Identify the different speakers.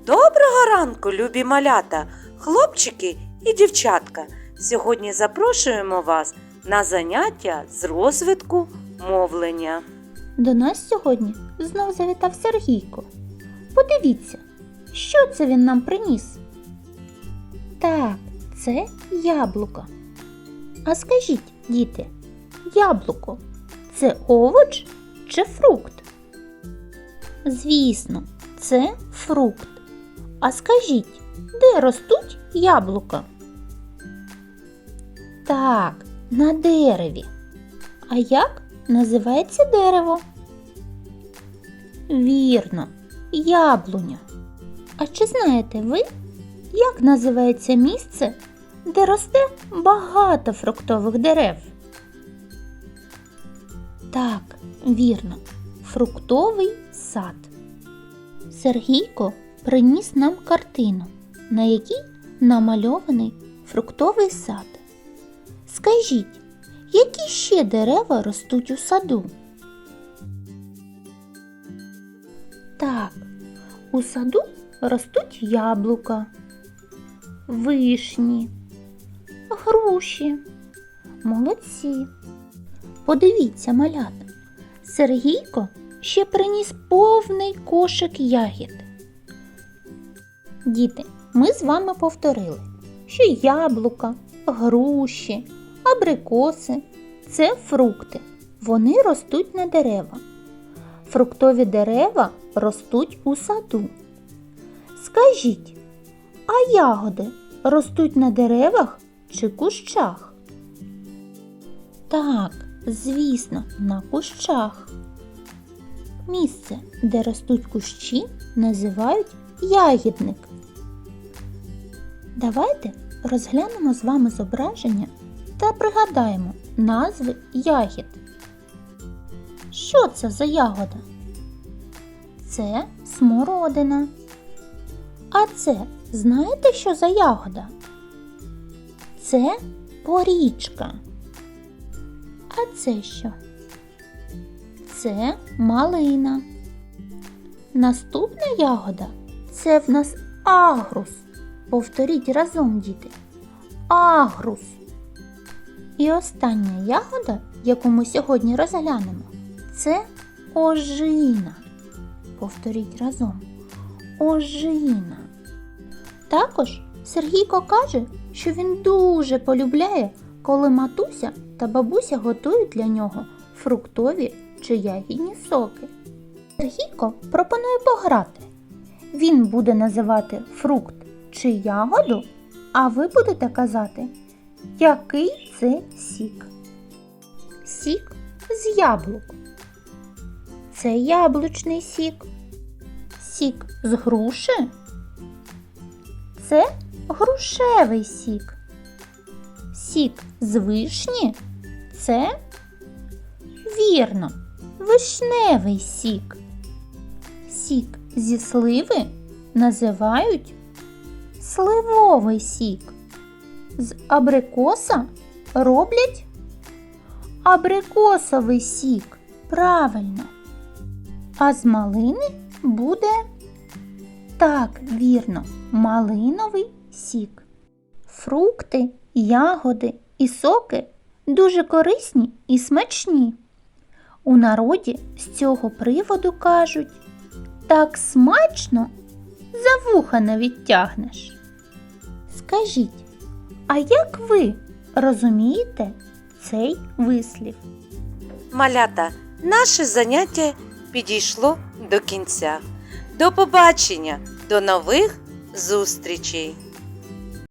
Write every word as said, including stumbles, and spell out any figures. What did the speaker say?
Speaker 1: Доброго ранку, любі малята, хлопчики і дівчатка! Сьогодні запрошуємо вас на заняття з розвитку мовлення.
Speaker 2: До нас сьогодні знов завітав Сергійко. Подивіться, що це він нам приніс? Так, це яблуко. А скажіть, діти, яблуко – це овоч чи фрукт? Звісно, це фрукт. А скажіть, де ростуть яблука? Так, на дереві. А як називається дерево? Вірно, яблуня. А чи знаєте ви, як називається місце, де росте багато фруктових дерев? Так, вірно, фруктовий сад. Сергійко приніс нам картину, на якій намальований фруктовий сад. Скажіть, які ще дерева ростуть у саду? Так, у саду ростуть яблука, вишні, груші. Молодці! Подивіться, малята, Сергійко ще приніс повний кошик ягід. Діти, ми з вами повторили, що яблука, груші, абрикоси – це фрукти. Вони ростуть на дерева. Фруктові дерева ростуть у саду. Скажіть, а ягоди ростуть на деревах чи кущах? Так, звісно, на кущах. Місце, де ростуть кущі, називають ягідник. Давайте розглянемо з вами зображення та пригадаємо назви ягід. Що це за ягода? Це смородина. А це, знаєте, що за ягода? Це порічка. А це що? Це малина. Наступна ягода – це в нас агрус. Повторіть разом, діти. Агрус. І остання ягода, яку ми сьогодні розглянемо, це ожина. Повторіть разом. Ожина. Також Сергійко каже, що він дуже полюбляє, коли матуся та бабуся готують для нього фруктові чи ягідні соки. Сергійко пропонує пограти. Він буде називати фрукт чи ягоду, а ви будете казати, який це сік. Сік з яблук. Це яблучний сік. Сік з груші. Це грушевий сік. Сік з вишні. Це, вірно, вишневий сік. Сік зі сливи називають сливовий сік. З абрикоса роблять абрикосовий сік. Правильно. А з малини буде, так, вірно, малиновий сік. Фрукти, ягоди і соки дуже корисні і смачні. У народі з цього приводу кажуть: так смачно, за вуха не відтягнеш. Скажіть, а як ви розумієте цей вислів?
Speaker 1: Малята, наше заняття підійшло до кінця. До побачення, до нових зустрічей!